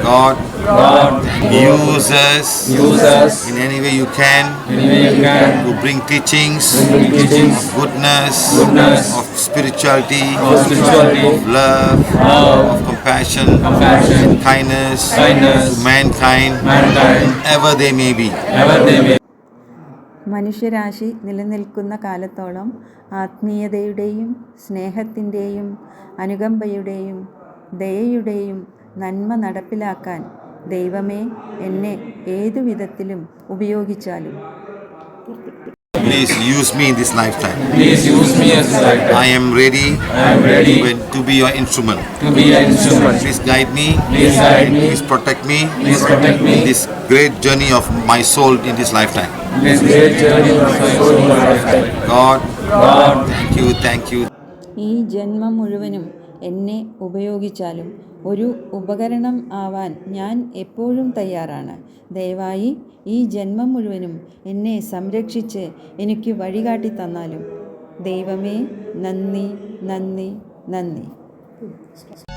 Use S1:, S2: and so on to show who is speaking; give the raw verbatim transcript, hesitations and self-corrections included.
S1: God,
S2: God,
S1: use us
S2: use us
S1: in any way you can
S2: any way you can
S1: to bring teachings
S2: bring teachings
S1: of goodness,
S2: goodness,
S1: of spirituality,
S2: of spirituality,
S1: of love,
S2: love,
S1: of compassion,
S2: compassion,
S1: and kindness
S2: kindness
S1: to mankind,
S2: mankind,
S1: wherever they may be.
S2: ever they may.
S3: മനുഷ്യരാശി നിലനിൽക്കുന്ന കാലത്തോളം ആത്മീയതയുടെയും സ്നേഹത്തിൻ്റെയും അനുകമ്പയുടെയും ദയയുടെയും നന്മ നടപ്പിലാക്കാൻ ദൈവമേ എന്നെ ഏതു വിധത്തിലും ഉപയോഗിച്ചാലും
S1: Please use me in this lifetime.
S2: Please use me as a lifetime.
S1: I am ready,
S2: I am ready
S1: to, to be your instrument.
S2: to be an instrument.
S1: Please guide me.
S2: Please guide me.
S1: Please protect me.
S2: Please protect me.
S1: In this great journey of my soul in this lifetime.
S2: This great journey of my soul in my lifetime.
S1: God,
S2: God,
S1: thank you, thank you.
S3: ഈ ജന്മം മുഴുവനും എന്നെ ഉപയോഗിച്ചാലും ഒരു ഉപകരണം ആവാൻ ഞാൻ എപ്പോഴും തയ്യാറാണ്. ദയവായി ഈ ജന്മം മുഴുവനും എന്നെ സംരക്ഷിച്ച് എനിക്ക് വഴികാട്ടി തന്നാലും. ദൈവമേ, നന്ദി, നന്ദി, നന്ദി.